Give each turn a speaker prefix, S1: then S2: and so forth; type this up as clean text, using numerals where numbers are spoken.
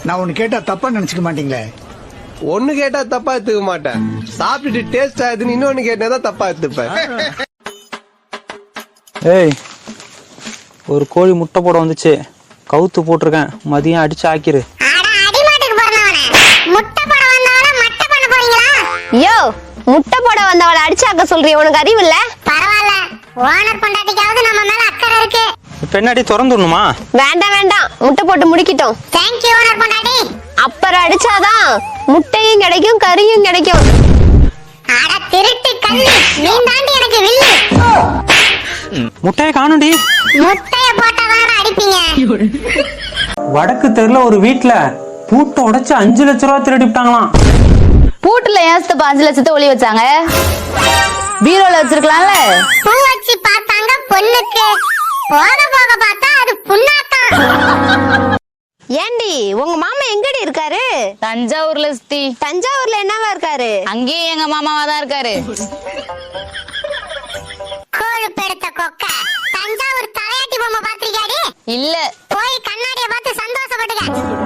S1: நான் ஒண்ணு கேட்டா தப்பா நினைச்சுக்க மாட்டீங்களே?
S2: ஒண்ணு கேட்டா தப்பா எடுத்துக்க மாட்டேன். சாப்பிட்டுட்டு டேஸ்ட் ஆகுதுன்னு இன்னொன்னு கேட்டதான் தப்பா எடுத்துப்பேன்.
S3: ஏய், ஒரு கோழி முட்டை போட வந்துச்சு, கவுத்து போட்டிருக்கேன், மதியம் அடிச்சு ஆக்கிரு.
S4: யோ, முட்டை போட வந்தவளை அடிச்சாக்க சொல்றீ, உனக்கு அறிவு இல்ல? பரவாயில்ல, ஓனர் பொண்டாட்டிக்காவது நம்ம மேல அக்கறை இருக்கு.
S3: பெண்ணாடி திறந்துடணுமா?
S4: வேண்டாம் வேண்டாம், முட்டை போட்டு முடிக்கிட்டோம். தேங்க் யூ ஓனர் பொண்டாட்டி. அப்புறம் அடிச்சாதான் முட்டையும் கிடைக்கும், கறியும் கிடைக்கும். அட திருட்டு கண்ணி, நீ தாண்டி எனக்கு வில்லு.
S3: முட்டையை காணும்டி.
S4: முட்டைய போட்டாதான் அடிப்பீங்க.
S3: வடக்கு தெருல ஒரு வீட்டுல பூட்டை உடைச்சு 5 லட்சம் ரூபாய் திருடிட்டாங்களாம்.
S5: பூட்டுல ஏன் 5 லட்சத்தை ஒளி வச்சாங்க? பீரோல வச்சிருக்கலாம்ல.
S4: பூ வச்சு பார்த்தாங்க பொண்ணுக்கு, போக போக பார்த்தா அது புண்ணாத்தான். ஏண்டி, உங்க மாமா எங்கடி இருக்காரு?
S5: தஞ்சாவூர்ல சித்தி.
S4: தஞ்சாவூர்ல என்னவா இருக்காரு?
S5: அங்கேயும் எங்க மாமாவா தான் இருக்காரு.
S4: கோழு பெருத்த கொக்க, தஞ்சாவூர் தலையாட்டி பொம்மை பாத்திருக்காடி?
S5: இல்ல.
S4: போய் கண்ணாடிய பார்த்து சந்தோஷப்பட்டுக்க.